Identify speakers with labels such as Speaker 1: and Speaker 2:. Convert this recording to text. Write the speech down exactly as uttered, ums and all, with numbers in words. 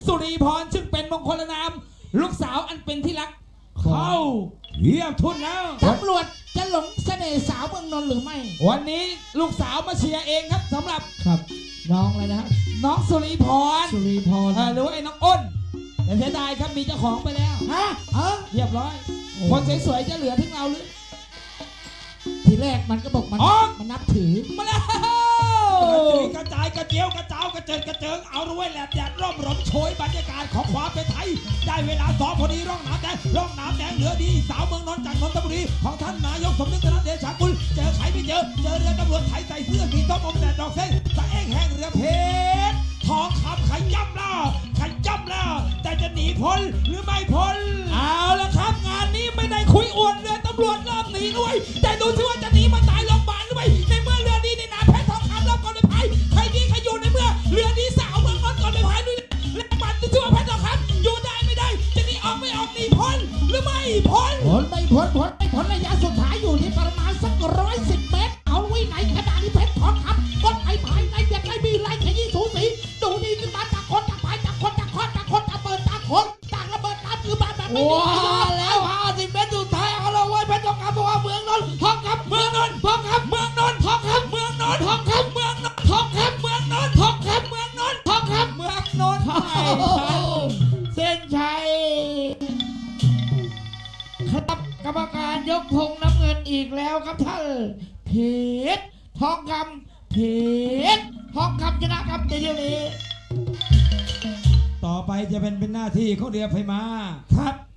Speaker 1: สุริพรซึ่งเป็นมงคลนามลูกสาวอันเป็นที่รักเข้าเยี่ยมทุนแล้ว
Speaker 2: ตำรวจจะหลงเสน่ห์สาวเมืองนนท์หรือไม่
Speaker 1: วันนี้ลูกสาวมาเชียร์เองครับสำหรับ
Speaker 2: ครับน้องอะไรนะ
Speaker 1: น้องสุริพร
Speaker 2: สุริพร
Speaker 1: หรือว่าไอ้น้องอ้นแต่เสียดายครับมีเจ้าของไปแล้ว
Speaker 2: ฮะเออ
Speaker 1: เรียบร้อยคนสวยๆจะเหลือถึงเราหรือ
Speaker 2: ทีแรกมันก็บอกมันมันนับถือ
Speaker 1: มาแล้ว
Speaker 3: กระจายกระเจียวกระเจ้ากระเจิงกระเจิงเอาด้วยแหลบแดดร่มรมโชยบรรยากาศของความเป็นไทยได้เวลาซ้อมพอดีร่องน้ำแดงร่องน้ำแดงเหลือดีสาวเมืองนนท์จากนนทบุรีของท่านนายกสมนึกธนเดชากุลเจอใครไม่เจอเจอเรือตำรวจไทยใส่เสื้อสีส้มอมแดดดอกเส้นตะเอ้งแห้งเรือเพชรทองคำขย้ำแล้วขย้ำแล้วแต่จะหนีพ้นหรือไม่พ้น
Speaker 1: เอาละครับงานนี้ไม่ได้คุยอวดเรือตำรวจรอบหนีด้วยแต่ดูซิว่าจะหนีมาตายโรงพยาบาลหรือไม่ในเมื่อเรือดีในน้ำเพชรทองคำรอบก่อนเลยพายใครดีใครอยู่ในเมื่อเรือดีสาวเมืองนนท์ก่อนเลยพายด้วยแรงบันดูซิว่าเพชรทองคำอยู่ได้ไม่ได้จะหนีออกไม่ออกหนีพ้นหรือไม่พ้น
Speaker 2: พ้นไม่พ้นพ้นไม่พ้นระยะสุดท้ายอยู่ที่ประมาณสักร้อยสิบเมตรเอาไว้ไหนขนาดนี้เพชรทองคำก้นไอ้พายในอย่างไรมีไรขยี้สูสีดูดีขึ้นมาจากคนจากพายจากคนจากคนจากคนจากเปิดจากคนจากระเบิดน้ำคือบ้านแบบไม่มี
Speaker 1: แล้วห้าสิบเมตรสุดท้ายเอาเราไว้เพชรทองคำบอกว่าเมืองนนท์ทองคำเมืองนนท์ทองคำเมืองนนท์ทองคำเมืองนนท์ทองคำเมืองนนท์ทองคำเมืองนนท์ทองคำเมืองนนท์ทองคำเมืองนนท์
Speaker 2: เส้นชัยครับกรรมการยกธงน้ำเงินอีกแล้วครับท่านเพชรทองคำเพชรทองคำชนะครับในเดี๋ยวนี้
Speaker 3: ต่อไปจะเป็นเป็นหน้าที่ของเรือไฟมา
Speaker 1: ครับ